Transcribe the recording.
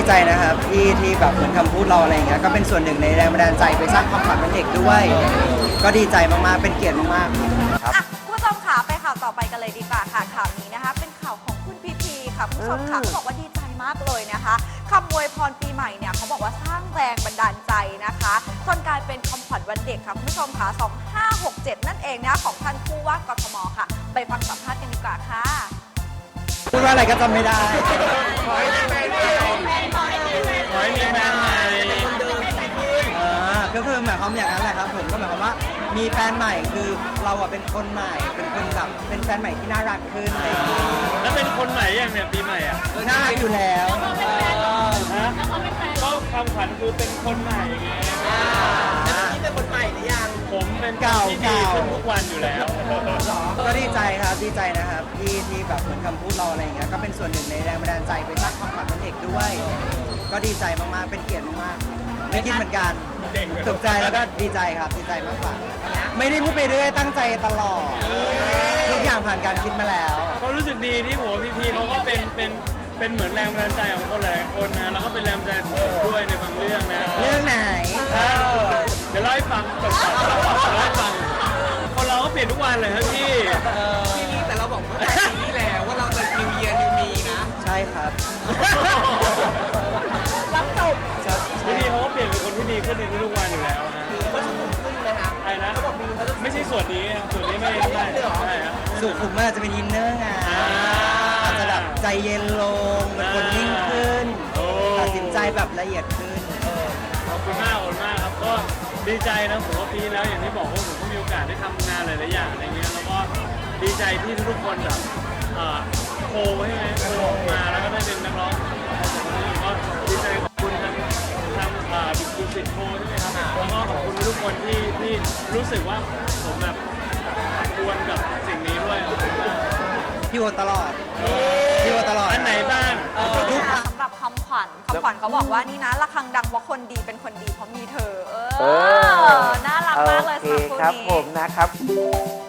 ใจนะครับที่แบบเหมือนคำพูดเราอะไรอย่างเงี้ยก็เป็นส่วนหนึ่งในแรงบันดาลใจไปสร้างความฝันเป็นเด็กด้วย ก็ดีใจมากๆเป็นเกียรติมากๆครับอ่ะคุณผู้ชมค่ะไปข่าวต่อไปกันเลยดีกว่าค่ะข่าวนี้นะคะเป็นข่าวของคุณพีพีค่ะคุณผู้ชมค่ะเขาบอกว่าดีใจมากเลยนะคะคำอวยพรปีใหม่เนี่ยเขาบอกว่าสร้างแรงบันดาลใจนะคะจนกลายเป็นคำขวัญวันเด็กค่ะคุณผู้ชมค่ะ2567นั่นเองนะของท่านผู้ว่ากทมค่ะไปฟังสัมภาษณ์กันดีกว่าค่ะพูดว่าอะไรก็จำไม่ได้ขอให้มีแฟนใหม่ก็คือหมายความอย่างนั้นแหละครับผมก็หมายความว่ามีแฟนใหม่คือเราอะเป็นคนใหม่เป็นคนแบบเป็นแฟนใหม่ที่น่ารักขึ้นอะไรอย่างเงี้ยแล้วเป็นคนใหม่ยังเนี่ยปีใหม่อ่ะน่ารักอยู่แล้วฮะก็คำขวัญคือเป็นคนใหม่ไงนี่เป็นคนใหม่หรือยังผมเป็นคนที่ดีขึ้นทุกวันอยู่แล้วก็ดีใจครับดีใจนะครับที่แบบเหมือนคำพูดเราอะไรอย่างเงี้ยก็เป็นส่วนหนึ่งในแรงบันดาลใจไปสร้างความฝันเป็นเด็กด้วย ก็ดีใจมากๆเป็นเกียรติมากๆไม่คิดเหมือนกันตกใจแล้วก็ดีใจครับดีใจมากกว่าไม่ได้พูดไปเรื่อยตั้งใจตลอดทุกอย่างผ่านการคิดมาแล้วก็รู้สึกดีที่ผมพี่เขาก็เป็นเหมือนแรงบันดาลใจของคนหลายคนนะแล้วก็เป็นแรงบันดาลใจของผมด้วยในบางเรื่องนะเรื่องไหนเดี๋ยวเล่าให้ฟังก่อนเล่าให้ฟังคนเราก็เปลี่ยนทุกวันเลยครับพี่แต่เราบอกว่าแต่ปีที่แล้วว่าเราจะ New Year New Me นะใช่ครับรับจบพี่เขาก็เปลี่ยนเป็นคนที่ดีขึ้นในทุกๆวันอยู่แล้วนะก็สุขุมขึ้นนะคะไอ้นะไม่ใช่ส่วนนี้ส่วนนี้ไม่ใช่ใช่ครับสุขุมมันอาจจะเป็นอินเนอร์ไงอาจจะแบบใจเย็นลงเป็นคนนิ่งขึ้นโอ้ตัดสินใจแบบละเอียดขึ้นขอบคุณมากครับก็ดีใจนะผมว่าปีที่แล้วอย่างที่บอกว่าผมก็มีโอกาสได้ทำงานหลายๆอย่างอะไรเงี้ยแล้วก็ดีใจที่ทุกคนแบบโคใช่ไหมโคมาแล้วก็ได้เป็นนักร้องก็ดีใจขอบคุณทางดูสิทธิ์โคใช่ไหมครับแล้วก็ขอบคุณทุกคนที่รู้สึกว่าผมแบบควรกับสิ่งนี้ด้วยขอบคุณมากพี่โอตลอดพี่โอตลอดอันไหนบ้างทุกสำหรับคำขวัญเขาบอกว่านี่นะระฆังดังเพราะคนดีเป็นคนดีเพราะมีเธอน่ารักมากเลยโอสำหรับคู่เคครับนี้ผมนะครับ